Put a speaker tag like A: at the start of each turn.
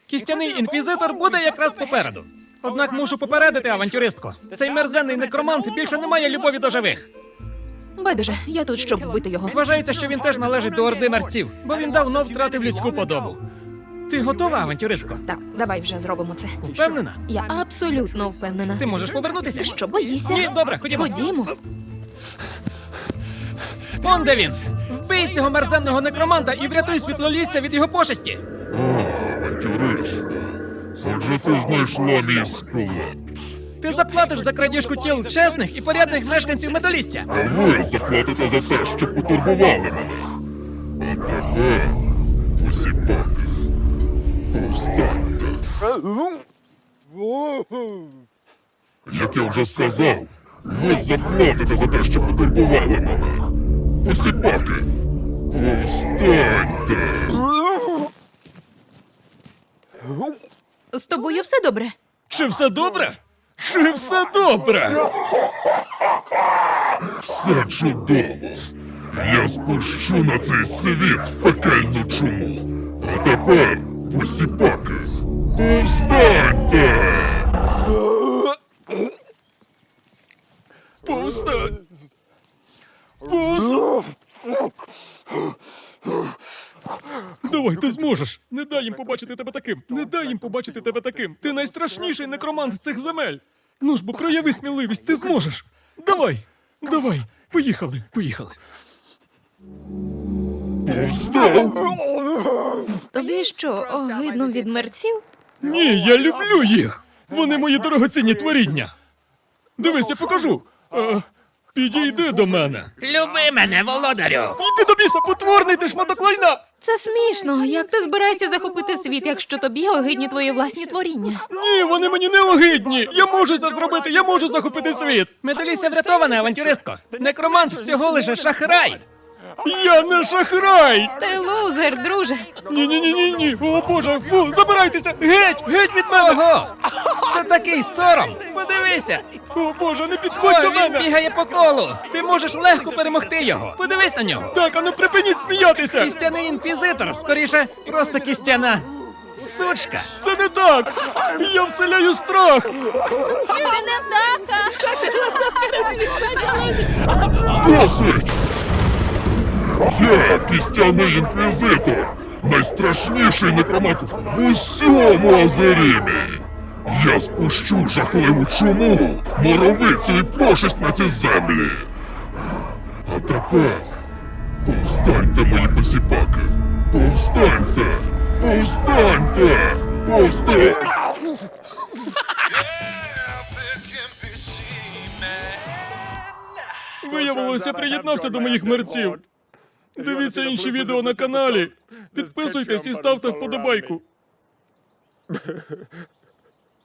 A: Кістяний інквізитор буде якраз попереду. Однак мушу попередити, авантюристко. Цей мерзенний некромант більше не має любові до живих.
B: Байдуже, я тут, щоб вбити його.
A: Вважається, що він теж належить до орди мерців, бо він давно втратив людську подобу. Ти готова, авантюристко?
B: Так, давай вже зробимо це.
A: Впевнена?
B: Я абсолютно впевнена.
A: Ти можеш повернутися?
B: Що, боїшся?
A: Ні, добре, ходімо.
B: Ходімо.
A: Он де він! Вбий цього мерзенного некроманта і врятуй світлолісся від його пошесті!
C: Авантюристко, отже ти знайшла мій склеп.
A: Ти заплатиш за крадіжку тіл чесних і порядних мешканців Медолісся.
C: А ви заплатите за те, що потурбували мене. А тепер, посіпаки, повстаньте. Як я вже сказав, ви заплатите за те, що потурбували мене. Посіпаки, повстаньте.
B: З тобою все добре?
A: Чи все добре? Чи все добре?
C: Все чудово. Я спущу на цей світ пекельну чуму. А тепер, посіпаки, повстаньте!
A: Повстань! Повстань! Давай, ти зможеш! Не дай їм побачити тебе таким! Не дай їм побачити тебе таким! Ти найстрашніший некромант цих земель! Ну ж бо прояви сміливість, ти зможеш! Давай! Давай! Поїхали! Поїхали!
C: Повстав!
B: Тобі що, огидно від мерців?
A: Ні, я люблю їх! Вони мої дорогоцінні творіння! Дивись, я покажу! Підійди до мене!
D: Люби мене, володарю!
A: Йди до біса, потворний ти шматок лайна!
B: Це смішно. Як ти збираєшся захопити світ, якщо тобі огидні твої власні творіння?
A: Ні, вони мені не огидні! Я можу це зробити, я можу захопити світ! Медаліся врятована, авантюристко! Некромант всього лише шахрай! Я не шахрай!
B: Ти лузер, друже.
A: Ні-ні-ні-ні-ні! О боже, фу, забирайтеся! Геть! Геть від мене! Ого! Це такий сором! Подивися! О боже, не підходь до мене! Він бігає по колу! Ти можеш легко перемогти його! Подивись на нього! Так, а ну припиніть сміятися! Кістяний інквізитор, скоріше, просто кістяна сучка! Це не так! Я вселяю страх!
B: Ти не вдаха!
C: Досить! Я кістяний інквізитор, найстрашніший некромант в усьому Азерімі. Я спущу жахливу чуму, моровицю і пошесть на ці землі. А тепер повстаньте, мої посіпаки. Повстаньте! Повстаньте! Повстаньте!
A: Виявилося, приєднався до моїх мерців. Дивіться інші відео на каналі. Підписуйтесь і ставте вподобайку.